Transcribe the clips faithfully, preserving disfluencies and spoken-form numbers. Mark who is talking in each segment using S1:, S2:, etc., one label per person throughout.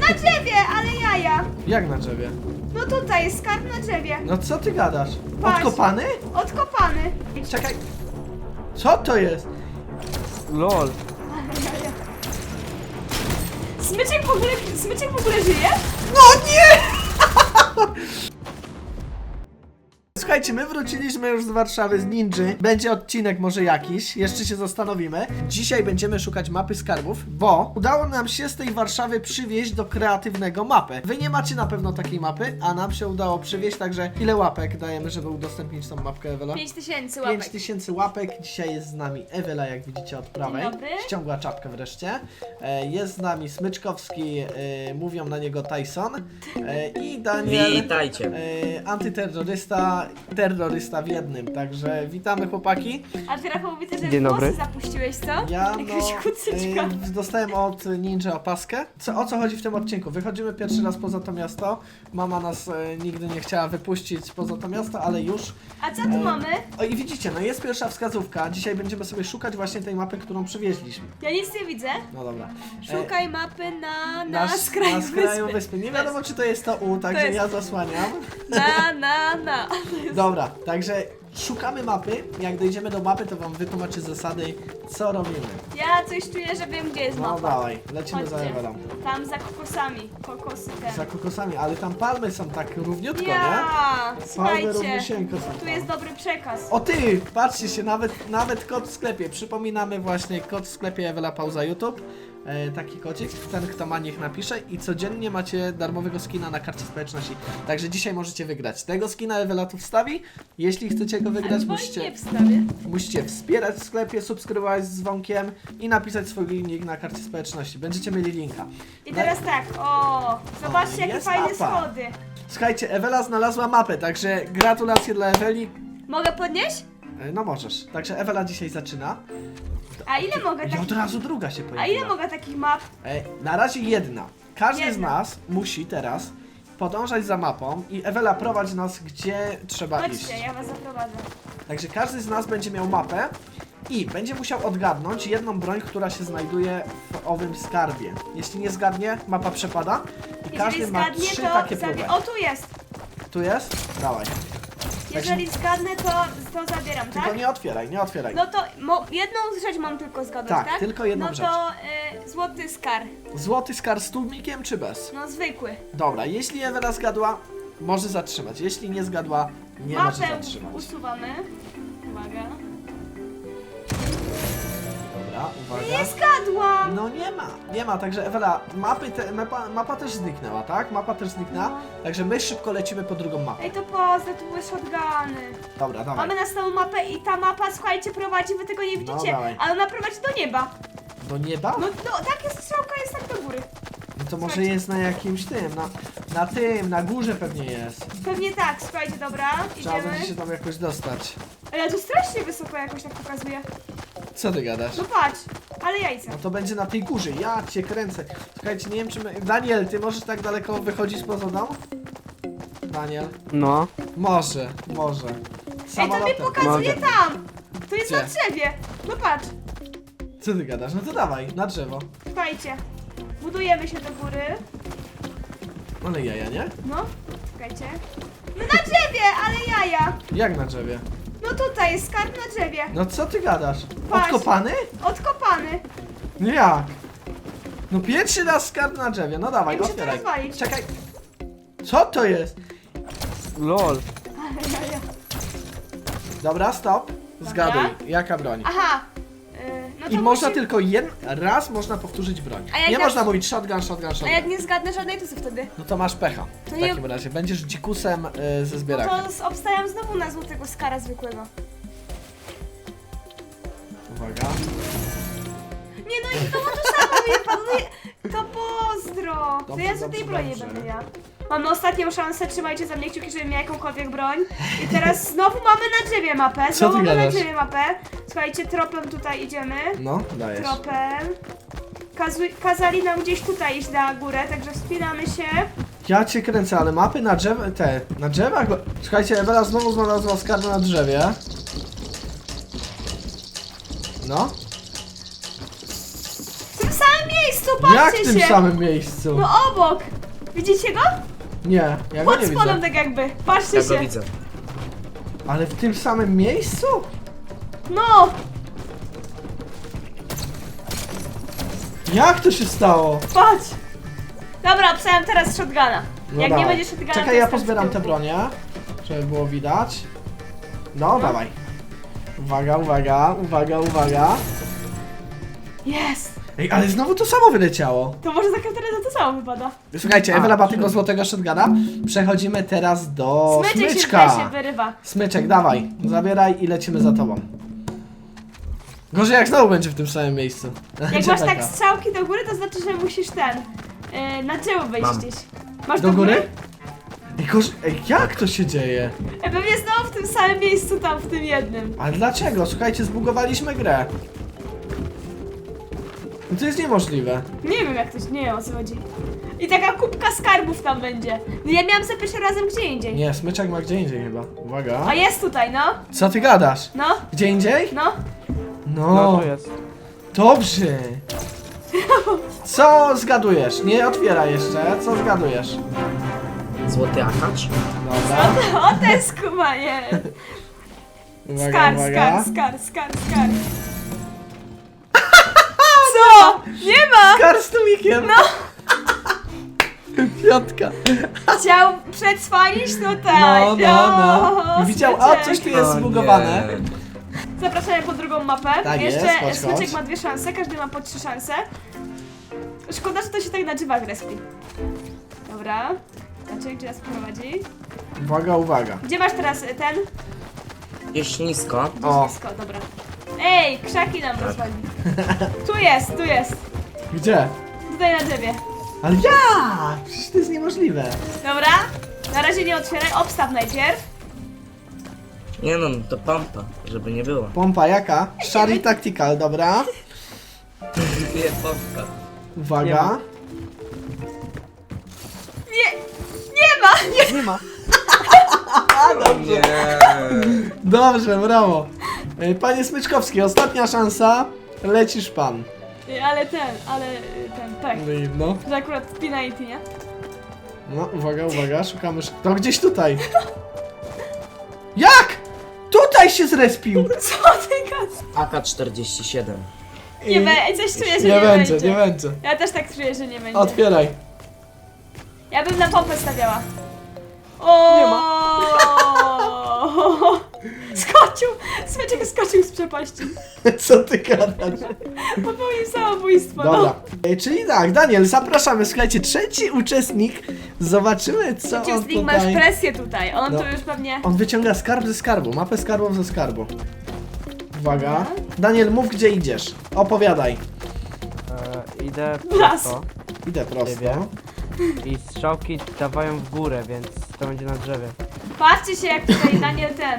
S1: Na drzewie, ale jaja.
S2: Jak na drzewie?
S1: No tutaj jest skarb na drzewie.
S2: No co ty gadasz?
S1: Patrz.
S2: Odkopany?
S1: Odkopany.
S2: Czekaj. Co to jest?
S3: Lol.
S1: Smyczek w ogóle, smyczek w ogóle żyje?
S2: No nie! Słuchajcie, my wróciliśmy już z Warszawy, z Ninży. Będzie odcinek może jakiś, jeszcze się zastanowimy. Dzisiaj będziemy szukać mapy skarbów, bo udało nam się z tej Warszawy przywieźć do kreatywnego mapę. Wy nie macie na pewno takiej mapy, a nam się udało przywieźć, także ile łapek dajemy, żeby udostępnić tą mapkę, Ewela?
S1: pięć tysięcy łapek.
S2: pięć tysięcy łapek. Dzisiaj jest z nami Ewela, jak widzicie od prawej.
S1: Dzień dobry.
S2: Ściągła czapkę wreszcie. E, Jest z nami Smyczkowski, e, mówią na niego Tyson. E, I Daniel,
S3: Witajcie.
S2: e, antyterrorysta, terrorysta w jednym. Także witamy chłopaki.
S1: A ty, Rafał, widzę, że
S3: Dzień dobry.
S1: włosy zapuściłeś, co?
S2: Ja no,
S1: Jakaś kucyczka.
S2: e, dostałem od Ninja opaskę. Co, o co chodzi w tym odcinku? Wychodzimy pierwszy raz poza to miasto. Mama nas e, nigdy nie chciała wypuścić poza to miasto, ale już.
S1: A co tu
S2: E,
S1: mamy?
S2: O i widzicie, no jest pierwsza wskazówka. Dzisiaj będziemy sobie szukać właśnie tej mapy, którą przywieźliśmy.
S1: Ja nic nie widzę.
S2: No dobra.
S1: Szukaj mapy na, na,
S2: Na,
S1: skraju,
S2: na skraju
S1: wyspy.
S2: wyspy. Nie wiadomo, czy to jest to U, także
S1: jest-
S2: ja zasłaniam.
S1: Na, na, na.
S2: Dobra, także szukamy mapy. Jak dojdziemy do mapy, to wam wytłumaczę zasady, co robimy.
S1: Ja coś czuję, że wiem, gdzie jest
S2: No
S1: mapa.
S2: dawaj, lecimy za
S1: Chodźcie.
S2: Ewelą.
S1: Tam za kokosami. Kokosy te.
S2: Za kokosami, ale tam palmy są tak równiutko, nie?
S1: Ja!
S2: Palmy
S1: Słuchajcie,
S2: równiusieńko są
S1: tu
S2: tam.
S1: jest dobry przekaz.
S2: O ty, patrzcie się, nawet, nawet kod w sklepie. Przypominamy właśnie, kod w sklepie Ewela Pauza YouTube. E, taki kodzik, ten kto ma niech napisze i codziennie macie darmowego skina na karcie społeczności. Także dzisiaj możecie wygrać. Tego skina Ewela tu wstawi. Jeśli chcecie go wygrać,
S1: Albo
S2: musicie,
S1: nie wstawię.
S2: musicie wspierać w sklepie, subskrybować z dzwonkiem i napisać swój link na karcie społeczności. Będziecie mieli linka.
S1: I teraz tak, o, zobaczcie
S2: O,
S1: jakie
S2: jest
S1: fajne
S2: mapa.
S1: schody.
S2: Słuchajcie, Ewela znalazła mapę, także gratulacje dla Eweli.
S1: Mogę podnieść?
S2: E, No możesz. Także Ewela dzisiaj zaczyna.
S1: A ile mogę
S2: I
S1: takich...
S2: od razu druga się pojawiła.
S1: A ile mogę takich map?
S2: E, na razie jedna. Każdy z
S1: Jedna.
S2: nas musi teraz podążać za mapą i Ewela prowadzi nas, gdzie trzeba iść.
S1: Chodźcie, ja was zaprowadzę.
S2: Także każdy z nas będzie miał mapę i będzie musiał odgadnąć jedną broń, która się znajduje w owym skarbie. Jeśli nie zgadnie, mapa przepada i
S1: Jeżeli
S2: każdy ma
S1: zgadnie,
S2: trzy
S1: to
S2: takie
S1: zabie...
S2: próby.
S1: O, tu jest.
S2: Tu jest? Dawaj.
S1: Jeżeli zgadnę, to, to zabieram,
S2: Tylko
S1: tak?
S2: nie otwieraj, nie otwieraj.
S1: No to mo... jedną rzecz mam tylko zgadnąć,
S2: Tak,
S1: tak?
S2: tylko jedną
S1: no
S2: rzecz.
S1: to y, złoty skar.
S2: Złoty skar z tłumikiem czy bez?
S1: No zwykły.
S2: Dobra, jeśli Ewela zgadła, może zatrzymać. Jeśli nie zgadła, nie może
S1: Mapę
S2: zatrzymać.
S1: usuwamy. Uwaga.
S2: Dobra, uwaga.
S1: Nie zgadłam!
S2: No nie ma, nie ma, także Ewela, mapy te, mapa, mapa też zniknęła, tak? Mapa też zniknęła,
S1: No.
S2: także my szybko lecimy po drugą mapę.
S1: Ej, to pozdro, tu były shotguny.
S2: Dobra, dawaj.
S1: Mamy następną mapę i ta mapa, słuchajcie, prowadzi, wy tego nie widzicie,
S2: dawaj.
S1: ale ona prowadzi do nieba.
S2: Do nieba?
S1: No, no tak jest, strzałka jest tak do góry.
S2: No to może
S1: słuchajcie.
S2: jest na jakimś tym, na, na tym, na górze pewnie jest.
S1: Pewnie tak, słuchajcie, dobra,
S2: Trzeba
S1: idziemy.
S2: będzie się tam jakoś dostać.
S1: Ale tu strasznie wysoko jakoś tak pokazuje.
S2: Co ty gadasz?
S1: No patrz, ale jajca.
S2: No to będzie na tej górze, ja cię kręcę. Słuchajcie, nie wiem czy my... Daniel, ty możesz tak daleko wychodzić poza dom? Daniel?
S3: No.
S2: Może, może.
S1: Ej, to mi
S2: Samolotem.
S1: pokazuje
S3: Mogę.
S1: tam. To jest
S2: Gdzie?
S1: na drzewie. No patrz,
S2: Co ty gadasz? No to dawaj, na drzewo.
S1: słuchajcie. Budujemy się do góry.
S2: Ale jaja, nie?
S1: No, czekajcie. No na drzewie, ale jaja.
S2: Jak na drzewie?
S1: No tutaj jest skarb na drzewie.
S2: No co ty gadasz?
S1: Patrz.
S2: Odkopany?
S1: Odkopany.
S2: No jak? No pierwszy raz skarb na drzewie, no dawaj,
S1: Ja muszę to
S2: otwieraj.
S1: rozwalić.
S2: Czekaj. Co to jest?
S3: Lol.
S1: Ale jaja.
S2: Dobra, stop. Zgaduj, jaka broń?
S1: Aha. Yy, no to
S2: I można
S1: musi...
S2: tylko jeden raz można powtórzyć broń.
S1: A jak
S2: Nie
S1: ja-
S2: można mówić shotgun, shotgun,
S1: A
S2: shotgun.
S1: jak nie zgadnę żadnej, to co wtedy?
S2: No to masz pecha. W
S1: To nie-
S2: takim razie będziesz dzikusem y, ze
S1: No
S2: zbierakiem.
S1: to z- obstawiam znowu na złotego skara zwykłego.
S2: Uwaga.
S1: Nie no i znowu to samo mnie panuje. To pozdro. To
S2: Dobrze,
S1: ja z
S2: dobrze,
S1: tej broni
S2: dobrze.
S1: będę miała. Mamy ostatnią szansę, trzymajcie za mnie kciuki, żebym miała jakąkolwiek broń. I teraz znowu mamy na drzewie mapę.
S2: Co
S1: Znowu
S2: ty
S1: mamy na
S2: gadasz?
S1: drzewie mapę. Słuchajcie, tropem tutaj idziemy.
S2: No, dajesz.
S1: Tropem. Kazu- kazali nam gdzieś tutaj iść na górę, także wspinamy się.
S2: Ja cię kręcę, ale mapy na drzew... te... na drzewach... Słuchajcie, Ewela znowu znalazła skarb na drzewie. No.
S1: W tym samym miejscu patrzcie
S2: Jak w tym
S1: się.
S2: samym miejscu?
S1: No obok. Widzicie go?
S2: Nie, ja go
S1: Pod
S2: nie
S1: spodem
S2: widzę.
S1: tak jakby. Patrzcie
S4: Ja go
S1: się.
S4: widzę.
S2: Ale w tym samym miejscu?
S1: No.
S2: Jak to się stało?
S1: Patrz. Dobra, obstawiam teraz shotguna.
S2: No
S1: Jak nie
S2: dawaj.
S1: będzie shotguna, to
S2: Czekaj, ja
S1: jestem w
S2: pozbieram te
S1: tyłku.
S2: bronie, żeby było widać. No, dawaj. Uwaga, uwaga, uwaga, uwaga.
S1: Jest.
S2: Ej, ale znowu to samo wyleciało.
S1: To może za każdym razem to samo wypada.
S2: Słuchajcie,
S3: A,
S2: Ewela ma
S3: czyli-
S2: tego złotego shotguna. Przechodzimy teraz do
S1: Smyczek się
S2: smyczka.
S1: tutaj się wyrywa.
S2: Smyczek, dawaj. Zabieraj i lecimy za tobą. Gorzej jak znowu będzie w tym samym miejscu.
S1: Jak
S2: Będzie
S1: masz tak
S2: taka.
S1: strzałki do góry, to znaczy, że musisz ten... Yy, na tył wyjść
S4: Mam.
S1: gdzieś. Masz
S2: Do góry? Ej, gorzej, ej, jak to się dzieje?
S1: Ej, pewnie znowu w tym samym miejscu, tam w tym jednym.
S2: Ale dlaczego? Słuchajcie, zbugowaliśmy grę. No to jest niemożliwe.
S1: Nie wiem jak to się, nie wiem o co chodzi. I taka kubka skarbów tam będzie. No ja miałam za pierwszym razem gdzie indziej.
S2: Nie, smyczek ma gdzie indziej chyba. Uwaga.
S1: A jest tutaj, no.
S2: Co ty gadasz?
S1: No,
S2: Gdzie indziej?
S1: no.
S3: No
S2: No,
S3: tu jest.
S2: dobrze. Co zgadujesz? Nie otwieraj jeszcze. Co zgadujesz?
S4: Złoty akacz?
S2: Dobra.
S1: O, ten skumanie.
S2: Uwaga,
S1: Skar,
S2: uwaga.
S1: skar, skar, skar, skar. Co? Nie ma!
S2: Skar z tumikiem.
S1: No.
S2: Piątka.
S1: Chciał przetrwalić tutaj.
S2: No, no, no.
S1: O,
S2: Widział, a
S1: smyczek.
S2: coś tu jest
S4: O
S2: zbugowane.
S4: nie.
S1: Zapraszamy po drugą mapę.
S2: Tak jest,
S1: Jeszcze
S2: chodź,
S1: smyczek
S2: chodź.
S1: ma dwie szanse, każdy ma po trzy szanse. Szkoda, że to się tak na drzewach respi. Dobra. Znaczy, gdzie nas prowadzi?
S2: Uwaga, uwaga.
S1: Gdzie masz teraz y, ten?
S4: Gdzieś nisko.
S1: Gdzieś
S2: O.
S1: nisko, dobra. Ej, krzaki nam rozwali. Tu jest, tu jest.
S2: Gdzie?
S1: Tutaj na drzewie.
S2: Ale ja! Przecież to jest niemożliwe.
S1: Dobra. Na razie nie otwieraj, obstaw najpierw.
S4: Nie no, to pompa, żeby nie było.
S2: Pompa jaka? Shari Tactical, dobra.
S4: Nie, pompa.
S2: Uwaga.
S1: Nie, nie ma! Nie.
S3: Nie ma.
S4: Nie.
S2: Dobrze, brawo. Ej, Panie Smyczkowski, ostatnia szansa. Lecisz pan.
S1: Ej, ale ten, ale y, ten, tak.
S2: No i no.
S1: Że akurat penalty, nie?
S2: No, uwaga, uwaga, szukamy. sz- To gdzieś tutaj. Jak? Tutaj się zrespił.
S1: Co ty gadasz?
S4: A K czterdzieści siedem.
S1: Nie będzie, coś czuję, że
S2: Nie
S1: nie,
S2: będzie,
S1: będzie.
S2: nie będzie.
S1: Ja też tak czuję, że nie będzie.
S2: Otwieraj.
S1: Ja bym na pompę stawiała. O!
S3: Nie ma.
S1: Skoczył! Smyczek skoczył z przepaści.
S2: Co ty gadasz?
S1: Popełnił samobójstwo.
S2: Dobra.
S1: No.
S2: Ej, czyli tak, Daniel, zapraszamy. Słuchajcie, trzeci uczestnik. Zobaczymy, co on
S1: Uczestnik, masz
S2: tutaj...
S1: presję tutaj. On
S2: No.
S1: tu już pewnie...
S2: On wyciąga skarb ze skarbu, mapę skarbów ze skarbu. Uwaga. Daniel, mów gdzie idziesz. Opowiadaj.
S3: E, idę
S1: Las.
S3: prosto
S2: Idę prosto.
S3: Ciebie. i strzałki dawają w górę, więc to będzie na drzewie.
S1: Patrzcie się jak tutaj Daniel ten...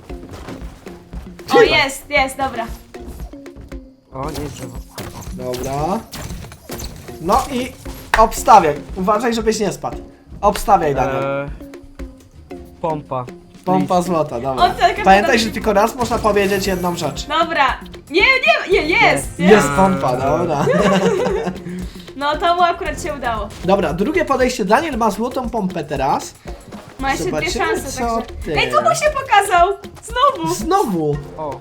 S1: O,
S2: Ty.
S1: jest, jest, dobra.
S3: O, nie drzewo.
S2: Dobra. No i obstawiaj. Uważaj, żebyś nie spadł. Obstawiaj, Daniel.
S3: E, pompa.
S2: Pompa złota, dobra.
S1: O, tak,
S2: Pamiętaj,
S1: tak.
S2: że tylko raz można powiedzieć jedną rzecz.
S1: Dobra. Nie, nie, nie, jest, jest.
S2: Jest pompa, dobra.
S1: No to mu akurat się udało.
S2: Dobra, drugie podejście. Daniel ma złotą pompę teraz.
S1: Ma jeszcze dwie
S2: Zobaczymy,
S1: szanse,
S2: co
S1: także...
S2: ty.
S1: Ej, tu mu się pokazał! Znowu!
S2: Znowu.
S3: O,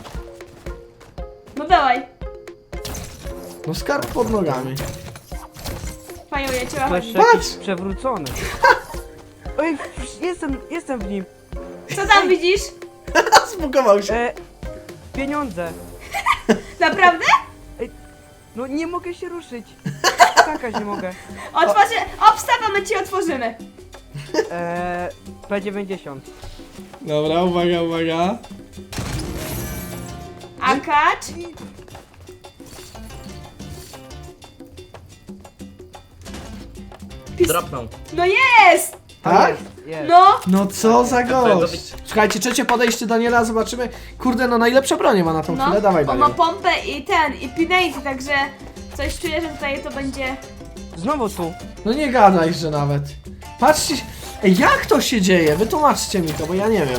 S1: No dawaj.
S2: No skarb pod nogami.
S1: Panią ja cię
S3: to
S1: chodzi.
S3: jeszcze
S2: Patrz!
S3: jakiś przewrócony. Oj, jestem, jestem w nim.
S1: Co tam widzisz?
S2: Zbugował się.
S3: E, pieniądze.
S1: Naprawdę?
S3: No nie mogę się ruszyć. Skakać nie mogę.
S1: Otworzy... Obstaw, a my ci otworzymy.
S3: E, P dziewięćdziesiąt.
S2: Dobra, uwaga, uwaga.
S1: Akacz. Pis...
S4: Dropnął.
S1: No jest!
S2: Tak?
S3: Jest, jest.
S1: No!
S2: No co za
S4: Twojego
S2: gość. Słuchajcie, trzecie podejście Daniela, zobaczymy. Kurde, no najlepsze bronie ma na tą
S1: No,
S2: chwilę. Dawaj,
S1: on
S2: Daniel.
S1: ma pompę i ten, i pinate, także coś czuję, że tutaj to będzie...
S3: Znowu tu.
S2: No nie gadaj, że nawet. Patrzcie, ej, jak to się dzieje? Wytłumaczcie mi to, bo ja nie wiem.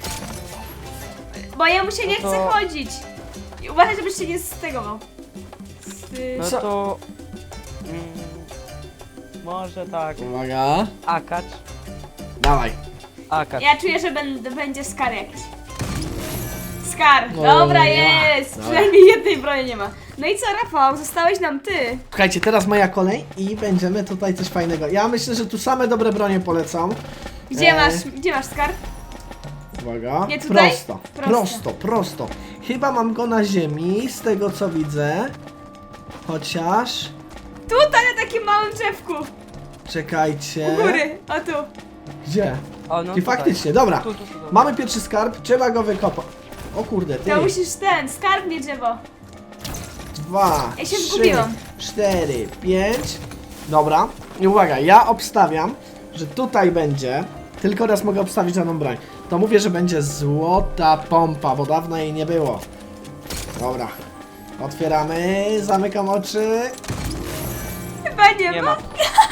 S1: Bo jemu się nie
S3: No
S1: chce
S3: to-
S1: chodzić. I uważaj, żebyś się nie stegował. Z, y...
S3: No
S2: Co?
S3: to Może tak.
S2: Uwaga.
S3: Akacz.
S2: Dawaj.
S3: Akacz.
S1: Ja czuję, że będę, będzie skar jakiś. Skar!
S2: No,
S1: Dobra,
S2: nie ma.
S1: jest!
S2: Dobra.
S1: Przynajmniej jednej broni nie ma. No i co, Rafał? Zostałeś nam ty.
S2: Słuchajcie, teraz moja kolej i będziemy tutaj coś fajnego. Ja myślę, że tu same dobre bronie polecam.
S1: Gdzie
S2: E,
S1: masz, gdzie masz skar?
S2: Uwaga.
S1: Nie tutaj?
S2: Prosto,
S1: Prosto.
S2: prosto, prosto. Chyba mam go na ziemi, z tego co widzę. Chociaż...
S1: Tutaj na takim małym drzewku.
S2: Czekajcie.
S1: U góry, o tu.
S2: Gdzie?
S3: O, no
S2: I
S3: tutaj.
S2: faktycznie, dobra.
S3: Tu, tu, tu, tu.
S2: Mamy pierwszy skarb, trzeba go wykopać. O kurde, ty.
S1: To musisz ten, skarb nie drzewo.
S2: Dwa,
S1: Ja się
S2: trzy,
S1: zgubiłam.
S2: cztery, pięć. Dobra. I uwaga, ja obstawiam, że tutaj będzie. Tylko raz mogę obstawić daną broń. To mówię, że będzie złota pompa, bo dawno jej nie było. Dobra. Otwieramy, zamykam oczy.
S1: Chyba nie,
S3: Nie
S1: ma.
S3: ma.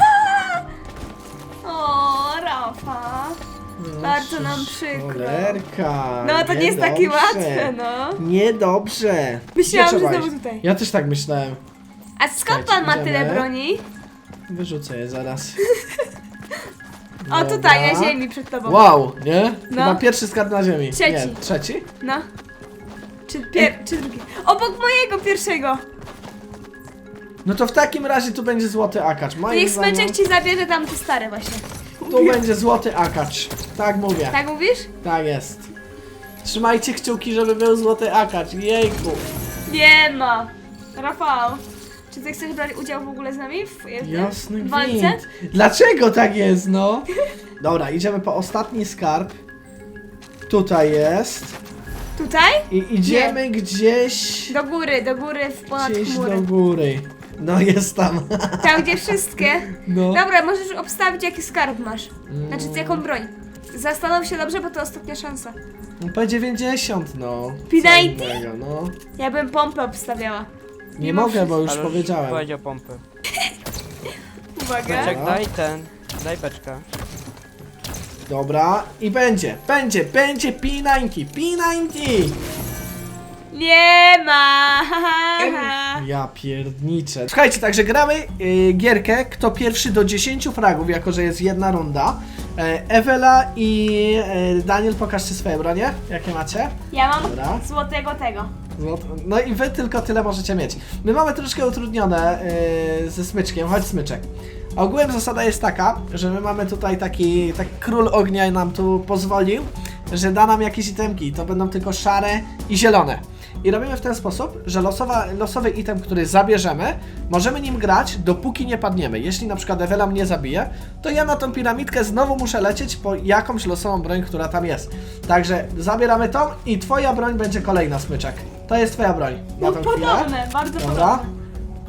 S1: O, Rafa. Bardzo nam przykro.
S2: Cholerka.
S1: No to nie jest takie
S2: niedobrze.
S1: łatwe, no.
S2: Niedobrze.
S1: Myślałam,
S2: Gdzie
S1: że
S2: trzeba
S1: znowu
S2: iść?
S1: tutaj.
S2: Ja też tak myślałem.
S1: A skąd pan ma
S2: Idziemy.
S1: tyle broni?
S2: Wyrzucę je zaraz.
S1: O, tutaj, na ziemi przed tobą.
S2: Wow, nie?
S1: No.
S2: Chyba pierwszy skarb na ziemi.
S1: Trzeci.
S2: Nie, trzeci?
S1: No. Czy, pier czy drugi? Obok mojego pierwszego.
S2: No to w takim razie tu będzie złoty akacz. Moim
S1: Niech
S2: zdaniem
S1: smyczek ci zabierze tam te stare właśnie.
S2: tu będzie złoty akacz. Tak mówię.
S1: Tak mówisz?
S2: Tak jest. Trzymajcie kciuki, żeby był złoty akacz. Jejku.
S1: Nie ma. Rafał, czy ty chcesz brać udział w ogóle z nami w, w
S2: Jasny
S1: w walce?
S2: gwint. Dlaczego tak jest, no? Dobra, idziemy po ostatni skarb. Tutaj jest.
S1: Tutaj?
S2: I idziemy gdzieś...
S1: Do góry, do góry, w ponad
S2: Gdzieś
S1: chmury.
S2: do góry. No jest tam.
S1: Tam, gdzie wszystkie.
S2: No.
S1: Dobra, możesz obstawić, jaki skarb masz. Znaczy,
S2: Mm.
S1: z jaką broń. Zastanów się dobrze, bo to ostatnia szansa.
S2: P dziewięćdziesiąt, no.
S1: P
S2: Co
S1: dziewięćdziesiąt?
S2: innego, no.
S1: Ja bym pompę obstawiała.
S2: Nie
S1: Mimo
S2: mogę, bo już
S3: Ale
S2: powiedziałem.
S3: powiedział pompy.
S1: Uwaga.
S3: Czek, daj ten. Daj beczkę.
S2: Dobra, i będzie, będzie, będzie P dziewięćdziesiąt, P dziewięćdziesiąt!
S1: Nie ma! ha, ha, ha.
S2: Ja pierdniczę. Słuchajcie, także gramy yy, gierkę, kto pierwszy do dziesięciu fragów, jako że jest jedna runda. E, Ewela i e, Daniel, pokażcie swoje bronie, jakie macie.
S1: Ja mam
S2: Dobra.
S1: złotego tego.
S2: Złot- No i wy tylko tyle możecie mieć. My mamy troszkę utrudnione yy, ze smyczkiem, chodź smyczek. Ogółem zasada jest taka, że my mamy tutaj taki, taki król ognia nam tu pozwolił, że da nam jakieś itemki, to będą tylko szare i zielone. I robimy w ten sposób, że losowa, losowy item, który zabierzemy, możemy nim grać, dopóki nie padniemy. Jeśli na przykład Ewela mnie zabije, to ja na tą piramidkę znowu muszę lecieć po jakąś losową broń, która tam jest. Także zabieramy tą i twoja broń będzie kolejna, smyczek. To jest twoja broń. Na
S1: No
S2: tą chwilę.
S1: podobne, bardzo
S2: Dobra.
S1: podobne.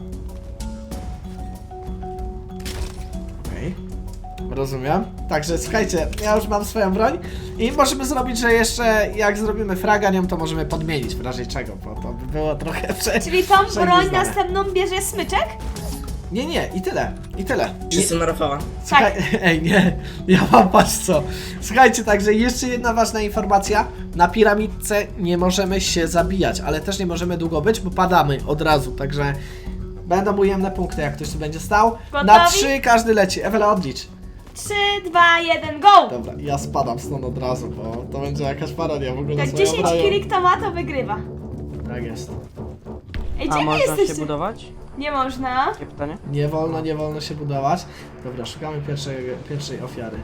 S2: Okej. Rozumiem. Także słuchajcie, ja już mam swoją broń i możemy zrobić, że jeszcze jak zrobimy fraga nią, to możemy podmienić w razie czego, bo to by było trochę prze...
S1: Czyli tą broń
S2: przewizdane.
S1: następną bierze smyczek?
S2: Nie, nie, i tyle, i tyle.
S4: Wszyscy na Rafała.
S2: Słuchaj, ej, nie, ja mam patrz co. Słuchajcie, także jeszcze jedna ważna informacja. Na piramidce nie możemy się zabijać, ale też nie możemy długo być, bo padamy od razu, także będą ujemne punkty, jak ktoś tu będzie stał. Na
S1: Gotowi?
S2: trzy każdy leci. Ewela, odlicz.
S1: trzy, dwa, jeden, go!
S2: Dobra, ja spadam stąd od razu, bo to będzie jakaś parodia w ogóle.
S1: Jak
S2: swoją
S1: dziesięć
S2: bronią.
S1: kili kto ma, to wygrywa.
S2: Tak jest.
S1: Ej,
S3: A
S1: gdzie wy
S3: można się
S1: jesteście?
S3: budować?
S1: Nie można.
S3: Takie pytanie?
S2: Nie wolno, nie wolno się budować. Dobra, szukamy pierwszej, pierwszej ofiary.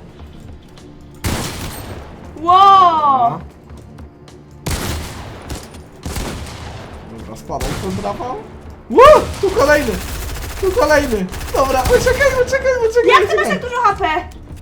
S1: Wow!
S2: Dobra, spadaj tu, Rafał. Ło! Tu kolejny! Tu kolejny! Dobra, uciekaj, uciekaj, uciekaj!
S1: Jak ty masz
S2: uciekaj.
S1: tak dużo H P?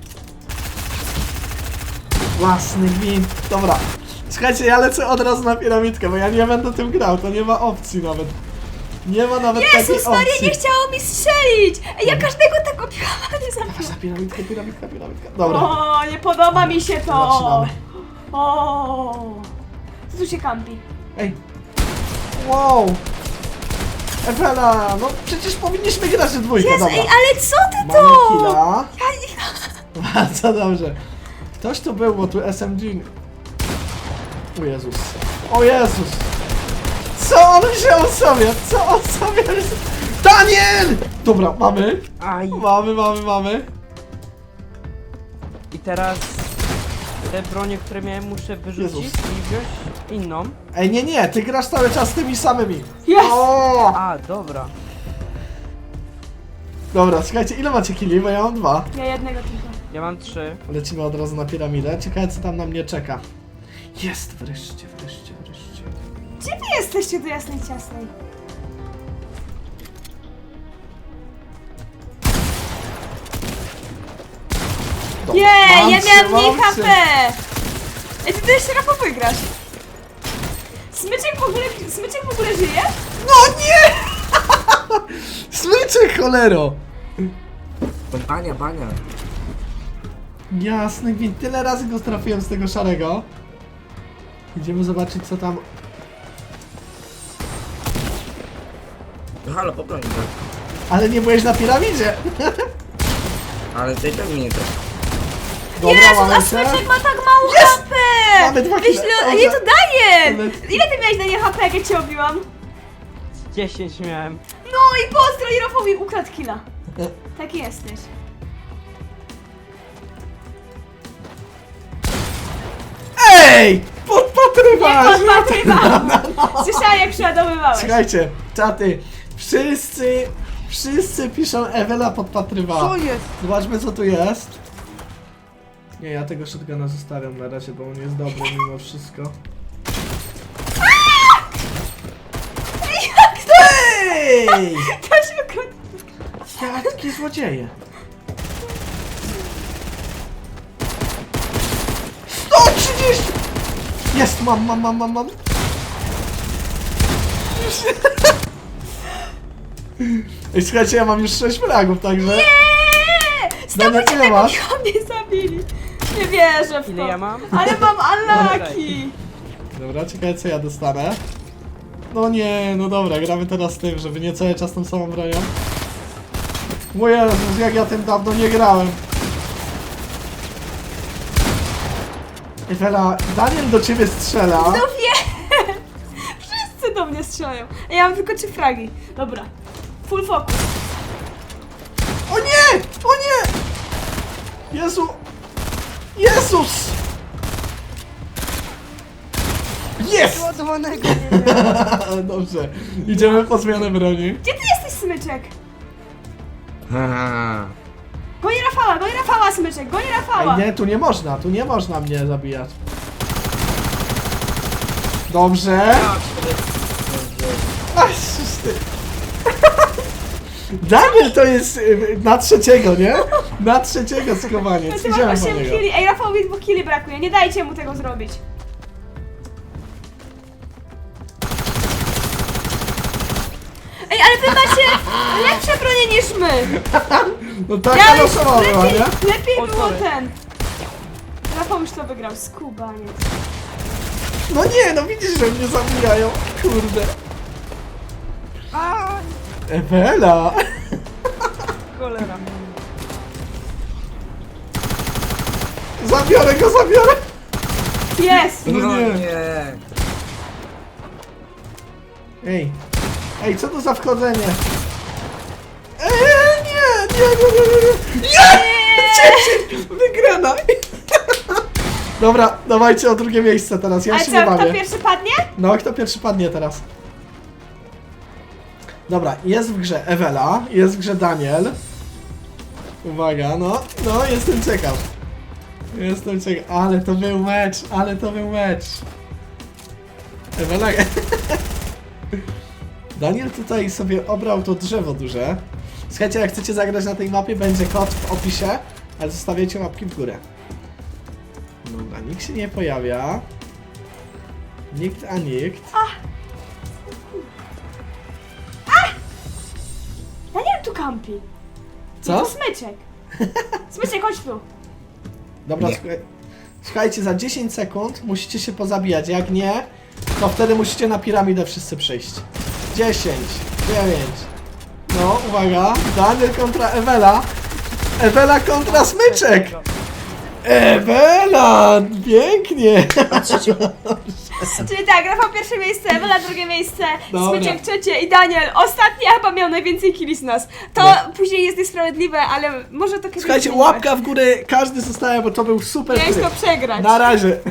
S2: Własny gwint. Dobra. Słuchajcie, ja lecę od razu na piramidkę, bo ja nie będę tym grał, to nie ma opcji nawet. Nie ma nawet takiej
S1: Jezus Maria,
S2: opcji.
S1: nie chciało mi strzelić! Ej, ja każdego tak obiłam, ale nie
S2: Patrz
S1: zabiłam.
S2: na piramidkę, piramidka, piramidka. Dobra.
S1: O, nie podoba mi się to!
S2: Zaczynamy.
S1: O, co tu się kampi?
S2: Ej. Wow. Ewela, no przecież powinniśmy grać w dwójkę,
S1: Jezu,
S2: dobra.
S1: ej, ale co ty
S2: Mamy
S1: to?
S2: killa.
S1: Ja nie...
S2: Bardzo dobrze. Ktoś tu był, bo tu S M G... O Jezus. O Jezus. Co on wziął sobie? Co on sobie... Daniel! Dobra, mamy.
S3: Aj.
S2: Mamy, mamy, mamy.
S3: I teraz te bronie, które miałem, muszę wyrzucić
S2: Jezus.
S3: i wziąć inną.
S2: Ej, nie, nie, ty grasz cały czas tymi samymi.
S1: Yes!
S2: O!
S3: A, dobra.
S2: Dobra, słuchajcie, ile macie killi? Bo ja mam dwa.
S1: Ja jednego tylko.
S3: Ja mam trzy.
S2: Lecimy od razu na piramidę. Ciekawe, co tam na mnie czeka. Jest, wreszcie, wreszcie, wreszcie.
S1: Gdzie wy jesteście do jasnej ciasnej?
S2: Dobra,
S1: Nie,
S2: mam
S1: ja
S2: cię,
S1: miałam mniej
S2: mam
S1: H P!
S2: cię.
S1: Ej, ty jeszcze Rafał wygrasz. Smyczek w ogóle, smyczek w ogóle żyje?
S2: No nie! Smyczek, cholero!
S4: To bania, bania.
S2: Jasny gwint, tyle razy go trafiłem z tego szarego. Idziemy zobaczyć, co tam...
S4: No halo, poprań go.
S2: Ale nie byłeś na piramidzie!
S4: Ale tej tak mnie też.
S2: Dobra,
S1: Jezu,
S2: mamy
S1: a
S2: się.
S1: smyczek ma tak mało
S2: Jest!
S1: H P!
S2: Mamy dwa
S1: Wyślę,
S2: kile.
S1: nie, to daję!
S2: Ale-
S1: Ile ty miałeś na nie H P, jak ja cię obiłam?
S3: dziesięć miałem.
S1: No i pozdro, i Rafałowi ukradł killa. Taki jesteś.
S2: Ej!
S1: Nie
S2: Podpatrywasz!
S1: podpatrywałam! Słyszałam, jak przeładowywałeś.
S2: Słuchajcie, czaty, wszyscy, wszyscy piszą Ewela podpatrywała.
S3: Co jest?
S2: Zobaczmy, co tu jest. Nie, ja tego shotguna zostawiam na razie, bo on jest dobry mimo wszystko. Ej!
S1: To się ukradł.
S2: Jakie złodzieje! sto trzydzieści! Jest, mam, mam, mam, mam, mam. Ej, słuchajcie, ja mam już sześć fragów, także...
S1: Nie!
S2: Daniel,
S1: Stopujcie
S2: ile
S1: tego,
S2: masz?
S1: mnie zabili. Nie wierzę w to.
S3: Ile ja mam?
S1: Ale mam unlucky.
S2: Dobra, ciekawe, co ja dostanę. No nie, no dobra, gramy teraz z tym, żeby nie cały czas tą samą bronią. O Jezus, jak ja tym dawno nie grałem. Ewela, Daniel do ciebie strzela.
S1: No wiem. Wszyscy do mnie strzelają. A ja mam tylko trzy fragi. Dobra. Full focus.
S2: O nie! O nie! Jezu! Jezus! Jest!
S3: Ładowanego nie miałem.
S2: Dobrze, idziemy po zmianę broni.
S1: Gdzie ty jesteś, smyczek?
S4: Haha.
S1: Goni Rafała, goni Rafała, smyczek, goni Rafała.
S2: Ej, nie, tu nie można, tu nie można mnie zabijać. Dobrze. Ach, ty. Daniel to jest y, na trzeciego, nie? Na trzeciego schowanie.
S1: Ja tu mam
S2: Idziemy po
S1: osiem
S2: niego.
S1: killi. Ej, Rafałowi dwóch killi brakuje. Nie dajcie mu tego zrobić. Ej, ale wy macie lepsze bronie niż my.
S2: No taka
S1: Ja już
S2: losowa była,
S1: lepiej,
S2: nie?
S1: lepiej
S3: O,
S1: było
S3: sorry.
S1: ten. Rafał już to wygrał, skubaniec.
S2: No nie, no widzisz, że mnie zabijają. Kurde.
S3: A,
S2: Ewela.
S3: cholera.
S2: Zabiorę go, zabiorę.
S1: Jest!
S2: No
S4: No
S2: nie.
S4: nie.
S2: Ej. Ej, co to za wchodzenie? Ej, nie, nie, nie, nie, nie, nie. Nie! dziesięć! Wygrana! Dobra, dawajcie o drugie miejsce teraz, ja
S1: Ale
S2: się nie
S1: co, kto
S2: bawię.
S1: pierwszy padnie?
S2: No, kto pierwszy padnie teraz? Dobra, jest w grze Ewela, jest w grze Daniel. Uwaga, no, no, jestem ciekaw. Jestem ciekaw, ale to był mecz, ale to był mecz. Ewela... Daniel tutaj sobie obrał to drzewo duże. Słuchajcie, jak chcecie zagrać na tej mapie, będzie kod w opisie, ale zostawiajcie łapki w górę. Dobra, nikt się nie pojawia. Nikt a nikt.
S1: Daniel tu kampi.
S2: Co?
S1: To smyczek. Smyczek, chodź tu.
S2: Dobra,
S4: Nie.
S2: słuchaj, słuchajcie, za dziesięć sekund musicie się pozabijać. Jak nie, to wtedy musicie na piramidę wszyscy przyjść. dziesięć, dziewięć. No, uwaga. Daniel kontra Ewela. Ewela kontra Smyczek. Ewela! Pięknie!
S1: Czyli tak, Rafał pierwsze miejsce, Ewela drugie miejsce,
S2: Dobra.
S1: Smyczek trzecie i Daniel ostatni, a chyba miał najwięcej killi z nas. To
S2: No.
S1: później jest niesprawiedliwe, ale może to kiedyś
S2: Słuchajcie,
S1: zmienimy.
S2: łapka w górę, każdy zostaje, bo to był super
S1: Ciężko
S2: tryb.
S1: przegrać.
S2: Na razie.